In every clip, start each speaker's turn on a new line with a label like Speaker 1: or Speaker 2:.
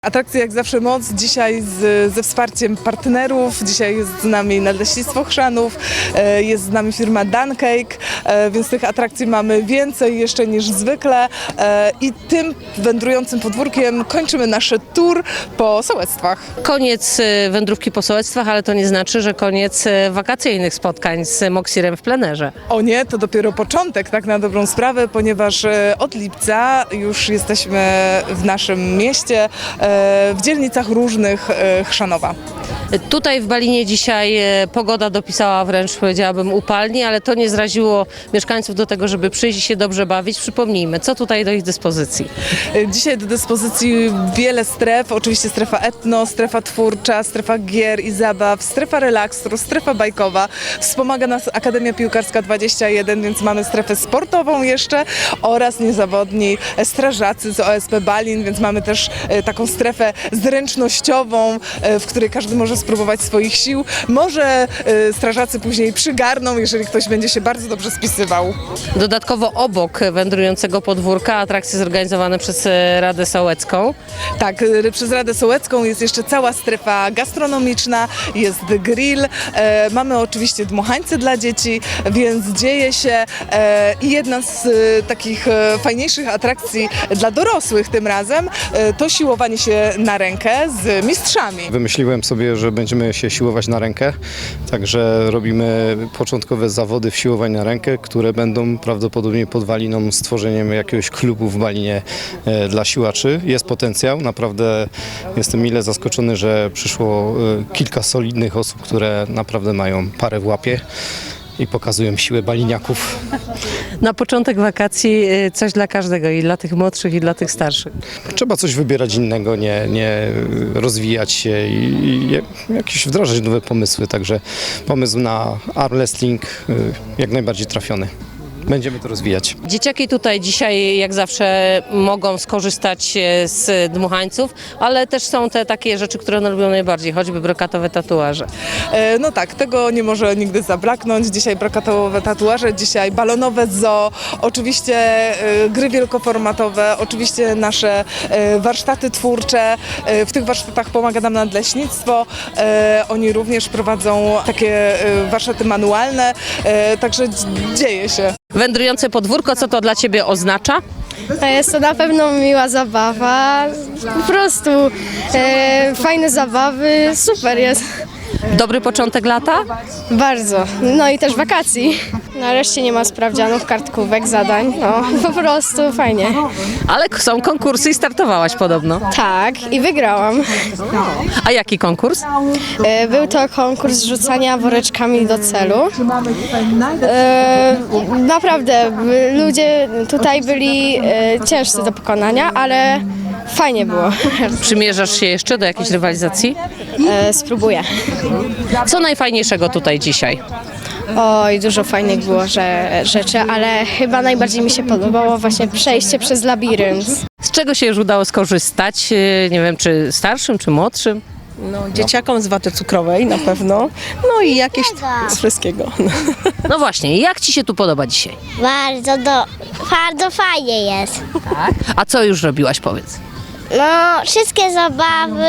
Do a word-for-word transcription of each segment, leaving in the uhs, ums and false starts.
Speaker 1: Atrakcja jak zawsze moc, dzisiaj z, ze wsparciem partnerów, dzisiaj jest z nami Nadleśnictwo Chrzanów, e, jest z nami firma Duncake, e, więc tych atrakcji mamy więcej jeszcze niż zwykle e, i tym wędrującym podwórkiem kończymy nasz tour po sołectwach.
Speaker 2: Koniec wędrówki po sołectwach, ale to nie znaczy, że koniec wakacyjnych spotkań z Moksirem w plenerze.
Speaker 1: O nie, to dopiero początek, tak na dobrą sprawę, ponieważ e, od lipca już jesteśmy w naszym mieście, e, w dzielnicach różnych e, Chrzanowa.
Speaker 2: Tutaj w Balinie dzisiaj pogoda dopisała wręcz, powiedziałabym, upalnie, ale to nie zraziło mieszkańców do tego, żeby przyjść i się dobrze bawić. Przypomnijmy, co tutaj do ich dyspozycji?
Speaker 1: Dzisiaj do dyspozycji wiele stref, oczywiście strefa etno, strefa twórcza, strefa gier i zabaw, strefa relaksu, strefa bajkowa. Wspomaga nas Akademia Piłkarska dwadzieścia jeden, więc mamy strefę sportową jeszcze oraz niezawodni strażacy z O S P Balin, więc mamy też taką strefę zręcznościową, w której każdy może spróbować swoich sił. Może strażacy później przygarną, jeżeli ktoś będzie się bardzo dobrze spisywał.
Speaker 2: Dodatkowo obok wędrującego podwórka atrakcje zorganizowane przez Radę Sołecką.
Speaker 1: Tak, przez Radę Sołecką jest jeszcze cała strefa gastronomiczna, jest grill, e, mamy oczywiście dmuchańce dla dzieci, więc dzieje się e, i jedna z e, takich e, fajniejszych atrakcji dla dorosłych tym razem e, to siłowanie się na rękę z mistrzami.
Speaker 3: Wymyśliłem sobie, że będziemy się siłować na rękę, także robimy początkowe zawody w siłowaniu na rękę, które będą prawdopodobnie podwaliną stworzeniem jakiegoś klubu w Balinie e, dla siłaczy. Jest potencjał, naprawdę jestem mile zaskoczony, że przyszło e, kilka solidnych osób, które naprawdę mają parę w łapie i pokazują siłę baliniaków.
Speaker 2: Na początek wakacji coś dla każdego, i dla tych młodszych, i dla tych starszych.
Speaker 3: Trzeba coś wybierać innego, nie, nie rozwijać się i, i jakieś wdrażać nowe pomysły, także pomysł na arm wrestling e, jak najbardziej trafiony. Będziemy to rozwijać.
Speaker 2: Dzieciaki tutaj dzisiaj, jak zawsze, mogą skorzystać z dmuchańców, ale też są te takie rzeczy, które one lubią najbardziej, choćby brokatowe tatuaże.
Speaker 1: E, no tak, tego nie może nigdy zabraknąć. Dzisiaj brokatowe tatuaże, dzisiaj balonowe zoo, oczywiście e, gry wielkoformatowe, oczywiście nasze e, warsztaty twórcze. E, w tych warsztatach pomaga nam Nadleśnictwo. E, oni również prowadzą takie e, warsztaty manualne, e, także dzieje się.
Speaker 2: Wędrujące podwórko, co to dla Ciebie oznacza?
Speaker 4: Jest to na pewno miła zabawa, po prostu e, fajne zabawy, super jest,
Speaker 2: Dobry początek lata?
Speaker 4: bardzo. No i też wakacji. Nareszcie nie ma sprawdzianów, kartkówek, zadań, no po prostu fajnie.
Speaker 2: Ale są konkursy i startowałaś podobno.
Speaker 4: Tak, i wygrałam.
Speaker 2: A jaki konkurs?
Speaker 4: E, był to konkurs rzucania woreczkami do celu. E, naprawdę, ludzie tutaj byli e, ciężcy do pokonania, ale fajnie było.
Speaker 2: Przymierzasz się jeszcze do jakiejś rywalizacji?
Speaker 4: E, spróbuję.
Speaker 2: Co najfajniejszego tutaj dzisiaj?
Speaker 4: Oj, dużo fajnych było że, rzeczy, ale chyba najbardziej mi się podobało właśnie przejście przez labirynt.
Speaker 2: Z czego się już udało skorzystać? Nie wiem, czy starszym, czy młodszym?
Speaker 5: No, dzieciakom z waty cukrowej na pewno, no i jakieś z wszystkiego.
Speaker 2: No właśnie, jak Ci się tu podoba dzisiaj?
Speaker 6: Bardzo, do, bardzo fajnie jest.
Speaker 2: A co już robiłaś, powiedz?
Speaker 6: No, wszystkie zabawy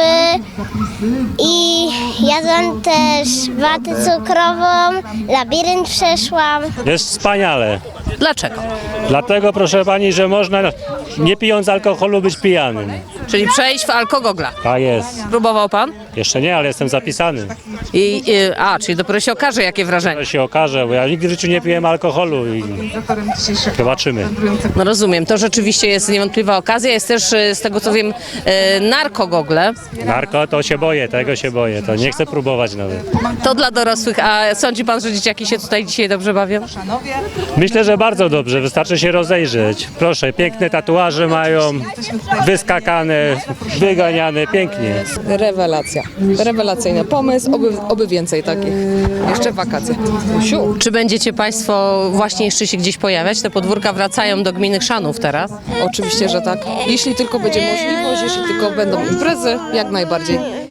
Speaker 6: i jadłam też watę cukrową, labirynt przeszłam.
Speaker 7: Jest wspaniale.
Speaker 2: Dlaczego?
Speaker 7: Dlatego, proszę pani, że można nie pijąc alkoholu być pijanym.
Speaker 2: Czyli przejść w alkogogla.
Speaker 7: Tak jest.
Speaker 2: Próbował Pan?
Speaker 7: Jeszcze nie, ale jestem zapisany.
Speaker 2: I, i, a, czyli dopiero się okaże, jakie wrażenie.
Speaker 7: To się okaże, bo ja nigdy w życiu nie piłem alkoholu i zobaczymy.
Speaker 2: No rozumiem, to rzeczywiście jest niewątpliwa okazja. Jest też, e, z tego co wiem, e, narkogogle.
Speaker 7: Narko to się boję, tego się boję, to nie chcę próbować nawet.
Speaker 2: To dla dorosłych. A sądzi Pan, że dzieciaki się tutaj dzisiaj dobrze bawią?
Speaker 7: Myślę, że bardzo dobrze, wystarczy się rozejrzeć. Proszę, piękne tatuaże mają, wyskakane, wyganiane, pięknie.
Speaker 5: Rewelacja, rewelacyjny pomysł, oby, oby więcej takich, jeszcze wakacje. Usiu.
Speaker 2: Czy będziecie Państwo właśnie jeszcze się gdzieś pojawiać? Te podwórka wracają do gminy Chrzanów teraz.
Speaker 5: Oczywiście, że tak, jeśli tylko będzie możliwość, jeśli tylko będą imprezy, jak najbardziej.